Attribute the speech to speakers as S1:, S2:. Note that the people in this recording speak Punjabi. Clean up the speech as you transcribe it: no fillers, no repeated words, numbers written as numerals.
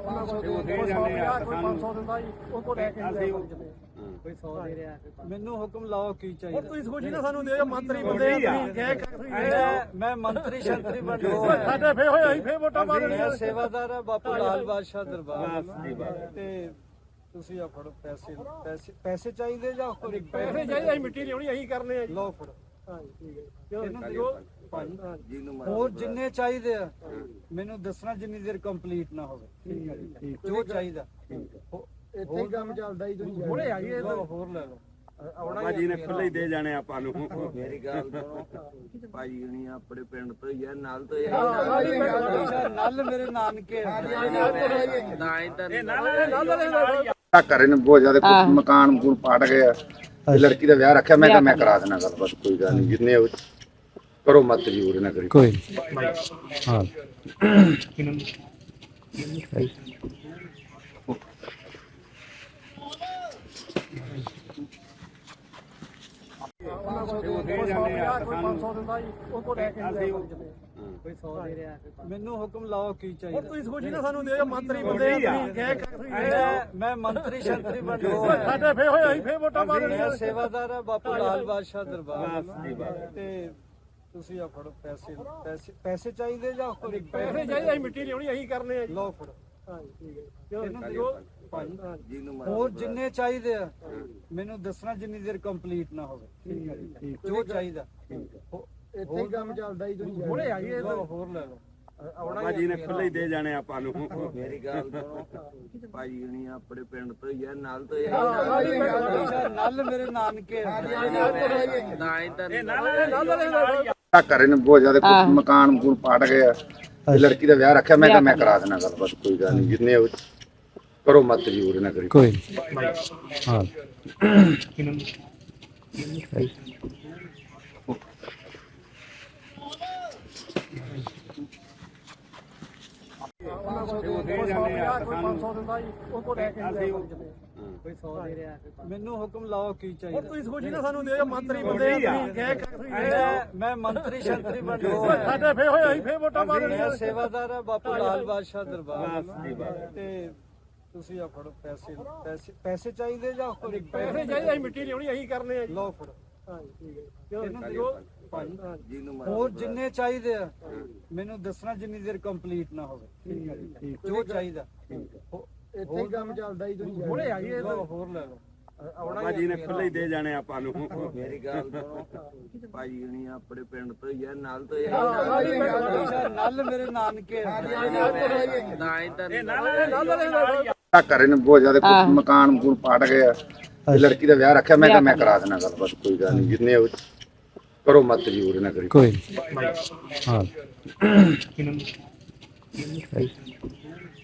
S1: ਉਹਨਾਂ ਕੋਲ ਕੋਈ 100 ਦਿੰਦਾ ਕੋਈ 500 ਦਿੰਦਾ ਜੀ, ਉਹ ਤੋਂ ਲੈ ਕੇ
S2: ਅਸੀਂ
S1: ਕੋਈ 100 ਦੇ ਰਿਹਾ।
S3: ਮੈਨੂੰ ਹੁਕਮ ਲਾਓ ਕੀ ਚਾਹੀਦਾ।
S1: ਤੁਸੀਂ ਸੋਚੀ ਨਾ ਸਾਨੂੰ ਦੇ ਮੰਤਰੀ ਬੰਦੇ ਆ ਤੁਸੀਂ
S3: ਮੈਂ ਮੰਤਰੀ ਸ਼ੰਤਰੀ ਬਣ ਗਿਆ
S1: ਸਾਡੇ ਫੇ ਹੋਏ ਅਸੀਂ ਫੇ ਵੋਟਾਂ ਪਾ ਦੇਣੀਆਂ।
S3: ਮੈਂ ਸੇਵਾਦਾਰ ਆ ਬਾਪੂ ਲਾਲ ਬਾਦਸ਼ਾਹ ਦਰਬਾਰ ਤੇ ਤੁਸੀਂ ਆ ਫੜੋ ਪੈਸੇ ਚਾਹੀਦੇ ਜਾਂ
S1: ਪੈਸੇ ਚਾਹੀਦੇ, ਅਸੀਂ ਮਿੱਟੀ ਲਿਆਉਣੀ ਅਸੀਂ ਕਰਨੇ ਆ ਜੀ।
S3: ਲਓ ਫੜੋ।
S1: ਹਾਂਜੀ ਠੀਕ ਹੈ। ਇਹਨੂੰ ਦਿਓ
S3: ਹੋਰ ਜਿੰਨੇ ਚਾਹੀਦੇ ਆ ਮੈਨੂੰ ਦੱਸਣਾ ਜਿੰਨੀ ਦੇਰ ਕੰਪਲੀਟ ਨਾ ਹੋਵੇ ਜੋ ਚਾਹੀਦਾ।
S1: ਇੱਥੇ ਹੀ ਕੰਮ ਚੱਲਦਾ ਜੀ ਤੁਸੀਂ ਹੁਣੇ ਆਈਏ
S3: ਹੋਰ ਲੈ ਲਓ।
S2: ਆਉਣਾ ਜੀ ਨੇ ਖੁੱਲੇ ਹੀ ਦੇ ਜਾਣੇ ਆਪਾਂ ਨੂੰ।
S4: ਮੇਰੀ ਗੱਲ ਸੁਣੋ ਭਾਈ ਹੁਣੀ ਆਪਣੇ ਪਿੰਡ ਤੋਂ ਹੀ ਆ, ਨਾਲ ਤੋਂ ਹੀ
S3: ਨਲ ਮੇਰੇ ਨਾਨਕੇ
S4: ਨਾ ਹੀ
S5: ਆ ਘਰੇ ਨੇ ਬਹੁਤ ਜ਼ਿਆਦਾ ਮਕਾਨ ਮਕੂਨ ਪਾਟ ਗਏ ਆ। ਲੜਕੀ ਦਾ ਵਿਆਹ ਰੱਖਿਆ, ਮੈਂ ਕਿਹਾ ਮੈਂ ਕਰਾ ਦੇਣਾ ਗੱਲ, ਬਸ ਕੋਈ ਗੱਲ ਨਹੀਂ, ਜਿੰਨੇ ਕਰੋ ਮਤ ਜ਼ਰੂਰ ਨਾ ਕਰੀ
S6: ਕੋਈ ਹਾਂ
S1: ਉਹਨਾਂ ਕੋਲ ਕੋਈ 100 ਦਿੰਦਾ ਕੋਈ 500 ਦਿੰਦਾ ਜੀ, ਉਹ ਤੋਂ ਲੈ ਕੇ
S3: ਕੋਈ 100 ਦੇ ਰਿਹਾ। ਮੈਨੂੰ ਹੁਕਮ ਲਾਓ ਕੀ ਚਾਹੀਦਾ।
S1: ਤੁਸੀਂ ਸੋਚੀ ਨਾ ਸਾਨੂੰ ਦੇ ਮੰਤਰੀ ਬੰਦੇ ਆ ਤੁਸੀਂ
S3: ਮੈਂ ਮੰਤਰੀ ਸ਼ੰਤਰੀ ਬਣ ਗਿਆ
S1: ਸਾਡੇ ਫੇ ਹੋਏ ਅਸੀਂ ਫੇ ਵੋਟਾਂ ਪਾ ਦੇਣੀਆਂ।
S3: ਮੈਂ ਸੇਵਾਦਾਰ ਆ ਬਾਪੂ ਲਾਲ ਬਾਦਸ਼ਾਹ ਦਰਬਾਰ ਤੇ ਤੁਸੀਂ ਆ ਫੜੋ ਪੈਸੇ ਚਾਹੀਦੇ ਜਾਂ
S1: ਪੈਸੇ ਚਾਹੀਦੇ, ਅਸੀਂ ਮਿੱਟੀ ਲਿਆਉਣੀ ਅਸੀਂ ਕਰਨੇ ਆ ਜੀ।
S3: ਲਓ ਫੜੋ।
S1: ਹਾਂਜੀ ਠੀਕ ਹੈ। ਇਹਨੂੰ ਦਿਓ
S3: ਹੋਰ ਜਿੰਨੇ ਚਾਹੀਦੇ ਆ ਮੈਨੂੰ ਦੱਸਣਾ ਜਿੰਨੀ ਦੇਰ ਕੰਪਲੀਟ ਨਾ ਹੋਵੇ ਜੋ ਚਾਹੀਦਾ।
S1: ਇੱਥੇ ਹੀ ਕੰਮ ਚੱਲਦਾ ਜੀ ਤੁਸੀਂ ਹੁਣੇ ਆਈਏ
S3: ਹੋਰ ਲੈ ਲਓ।
S2: ਆਉਣਾ ਜੀ ਨੇ ਖੁੱਲੇ ਹੀ ਦੇ ਜਾਣੇ ਆਪਾਂ ਨੂੰ।
S4: ਮੇਰੀ ਗੱਲ ਸੁਣੋ ਭਾਈ ਹੁਣੀ ਆਪਣੇ ਪਿੰਡ ਤੋਂ ਹੀ ਆ, ਨਾਲ ਤੋਂ ਹੀ
S3: ਨਲ ਮੇਰੇ ਨਾਨਕੇ
S4: ਨਾ ਹੀ
S5: ਆ ਘਰੇ ਨੇ ਬਹੁਤ ਜ਼ਿਆਦਾ ਮਕਾਨ ਮਕੂਨ ਪਾਟ ਗਏ ਆ। ਲੜਕੀ ਦਾ ਵਿਆਹ ਰੱਖਿਆ, ਮੈਂ ਕਿਹਾ ਮੈਂ ਕਰਾ ਦੇਣਾ ਗੱਲ, ਬਸ ਕੋਈ ਗੱਲ ਨਹੀਂ, ਜਿੰਨੇ ਕਰੋ ਮਤ ਜ਼ਰੂਰ ਨਾ ਕਰੀ
S6: ਕੋਈ ਹਾਂ
S1: ਉਹਨਾਂ ਕੋਲ ਕੋਈ 100 ਦਿੰਦਾ ਕੋਈ 500 ਦਿੰਦਾ ਜੀ, ਉਹ ਤੋਂ ਲੈ ਕੇ
S3: ਕੋਈ 100 ਦੇ ਰਿਹਾ। ਮੈਨੂੰ ਹੁਕਮ ਲਾਓ ਕੀ ਚਾਹੀਦਾ।
S1: ਤੁਸੀਂ ਸੋਚੀ ਨਾ ਸਾਨੂੰ ਦੇ ਮੰਤਰੀ ਬੰਦੇ ਆ ਤੁਸੀਂ
S3: ਮੈਂ ਮੰਤਰੀ ਸ਼ੰਤਰੀ ਬਣ ਗਿਆ
S1: ਸਾਡੇ ਫੇ ਹੋਏ ਅਸੀਂ ਫੇ ਵੋਟਾਂ ਪਾ ਦੇਣੀਆਂ।
S3: ਮੈਂ ਸੇਵਾਦਾਰ ਆ ਬਾਪੂ ਲਾਲ ਬਾਦਸ਼ਾਹ ਦਰਬਾਰ ਤੇ ਤੁਸੀਂ ਆ ਫੜੋ ਪੈਸੇ ਚਾਹੀਦੇ ਜਾਂ
S1: ਪੈਸੇ ਚਾਹੀਦੇ, ਅਸੀਂ ਮਿੱਟੀ ਲਿਆਉਣੀ ਅਸੀਂ ਕਰਨੇ ਆ ਜੀ।
S3: ਲਓ ਫੜੋ।
S1: ਹਾਂਜੀ ਠੀਕ ਹੈ। ਇਹਨੂੰ ਦਿਓ
S3: ਹੋਰ ਜਿੰਨੇ ਚਾਹੀਦੇ ਆ ਮੈਨੂੰ ਦੱਸਣਾ ਜਿੰਨੀ ਦੇਰ ਕੰਪਲੀਟ ਨਾ ਹੋਵੇ ਜੋ ਚਾਹੀਦਾ।
S1: ਇੱਥੇ ਹੀ ਕੰਮ ਚੱਲਦਾ ਜੀ ਤੁਸੀਂ ਹੁਣੇ ਆਈਏ
S3: ਹੋਰ ਲੈ ਲਓ।
S2: ਆਉਣਾ ਜੀ ਨੇ ਖੁੱਲੇ ਹੀ ਦੇ ਜਾਣੇ ਆਪਾਂ ਨੂੰ।
S4: ਮੇਰੀ ਗੱਲ ਸੁਣੋ ਭਾਈ ਹੁਣੀ ਆਪਣੇ ਪਿੰਡ ਤੋਂ ਹੀ ਆ, ਨਾਲ ਤੋਂ ਹੀ
S3: ਨਲ ਮੇਰੇ ਨਾਨਕੇ
S4: ਨਾ ਹੀ
S5: ਆ ਘਰੇ ਨੇ ਬਹੁਤ ਜ਼ਿਆਦਾ ਮਕਾਨ ਮਕੂਨ ਪਾਟ ਗਏ ਆ। ਲੜਕੀ ਦਾ ਵਿਆਹ ਰੱਖਿਆ, ਮੈਂ ਕਿਹਾ ਮੈਂ ਕਰਾ ਦੇਣਾ ਗੱਲ, ਬਸ ਕੋਈ ਗੱਲ ਨਹੀਂ, ਜਿੰਨੇ ਕਰੋ ਮਤ ਜ਼ਰੂਰ ਨਾ ਕਰੀ
S6: ਕੋਈ ਹਾਂ